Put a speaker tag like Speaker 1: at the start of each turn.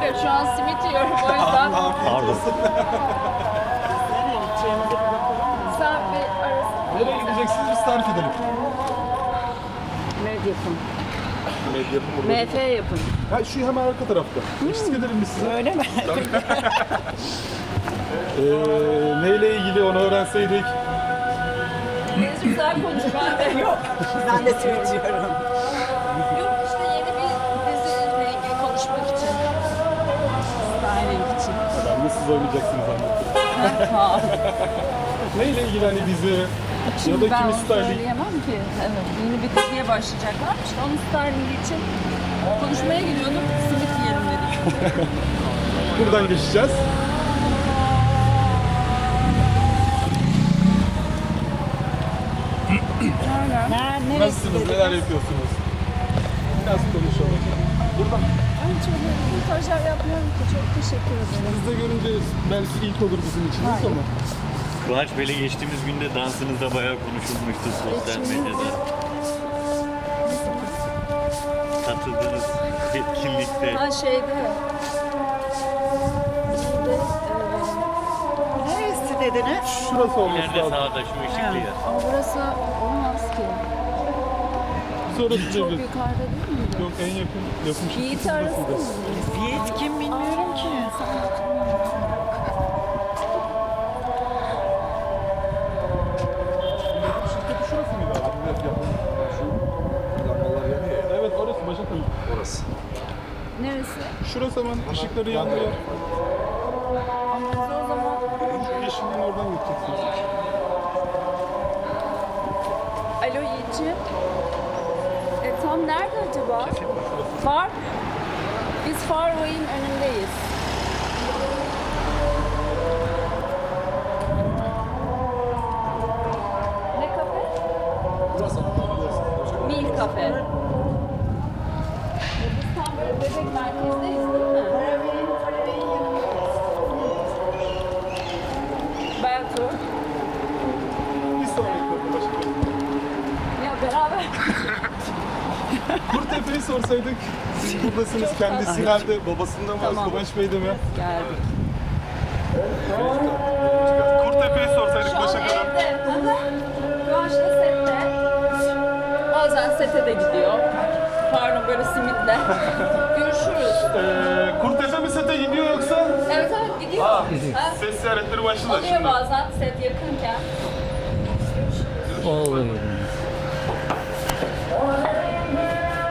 Speaker 1: Hayır, şu an simit yiyorum o yüzden.
Speaker 2: Pardon.
Speaker 1: Sen bir arasana.
Speaker 3: Nereye gideceksiniz biz tarif edelim.
Speaker 1: Med yapın.
Speaker 3: Medya yapın burada.
Speaker 1: MF yapın.
Speaker 3: Ha, şu hemen arka tarafta. Eşlik edelim biz size.
Speaker 4: Öyle mi?
Speaker 3: Neyle ilgili onu öğrenseydik.
Speaker 1: Deniz güzel konuş, ben de yok.
Speaker 4: Ben de söylüyorum.
Speaker 1: Yok işte yeni bir diziyle ilgili konuşmak için. Styling için.
Speaker 3: Ben de siz oynayacaksınız anlattım. Neyle ilgili hani dizi ya da
Speaker 1: Ben
Speaker 3: kimi
Speaker 1: onu
Speaker 3: styling?
Speaker 1: söyleyemem ki. Evet, yeni bir diziye başlayacaklarmış. Onun styling için konuşmaya gidiyordum. Simit yiyelim dedik.
Speaker 3: Buradan geçeceğiz.
Speaker 4: Neresi
Speaker 3: Nasılsınız?
Speaker 4: dediniz?
Speaker 3: Neler yapıyorsunuz? Biraz konuşalım. Buradan.
Speaker 1: Ben çok röportajlar yapmıyorum ki. Çok teşekkür ederim.
Speaker 3: Siz de görünce belki ilk olur bizim için ama.
Speaker 2: Kıvanç Bey'le geçtiğimiz günde dansınızda bayağı konuşulmuştu sosyal medyada. Katıldığınız etkinlikte.
Speaker 1: Ha şeyde.
Speaker 4: Neresi dediniz?
Speaker 3: Şurası olması
Speaker 2: İleride
Speaker 3: lazım.
Speaker 2: sağda şu ışıklı yer.
Speaker 1: Ama burası olmaz ki.
Speaker 3: Sonra
Speaker 1: Çok
Speaker 3: tutacağız.
Speaker 1: yukarıda değil mi?
Speaker 3: Yok, en yakın yapım şirketi
Speaker 1: Yiğit arasın mı?
Speaker 3: burasıydı.
Speaker 4: Yiğit kim bilmiyorum ki.
Speaker 3: Şirketi şurası mıydı abi? Evet, yapım. Şu lambalar yanıyor ya. Evet, orası Başak Hanım. Orası.
Speaker 1: Neresi?
Speaker 3: Şurası hemen ışıkları yanıyor.
Speaker 1: Ama biz o zaman...
Speaker 3: Şu yeşilliğin oradan gideceksiniz.
Speaker 1: Alo Yiğit'ciğim. Tam nerede acaba? Far. Biz Farway'in önündeyiz. Ne kafe? Mil kafe. Biz tam böyle bebek merkezdeyiz değil mi? Belki.
Speaker 3: Bir sonraki kapı Başak Hanım.
Speaker 1: Ya beraber.
Speaker 3: Kurtepe'yi sorsaydık. Siz buradasınız. Kendisi nerede? Babasında mı?
Speaker 1: Tamam.
Speaker 3: Kıvanç Bey'de mi?
Speaker 1: Geldik.
Speaker 3: Kurtepe'yi sorsaydık
Speaker 1: Şu an
Speaker 3: Başak Hanım.
Speaker 1: evde. Kıvanç'la sette. Bazen sete de gidiyor. Pardon böyle simitle. Görüşürüz.
Speaker 3: Kurtepe mi sete gidiyor yoksa?
Speaker 1: Evet evet gidiyor. Ha?
Speaker 3: Ses ziyaretleri başladı
Speaker 1: Oluyor
Speaker 3: şimdi.
Speaker 1: bazen set yakınken.
Speaker 2: Olur.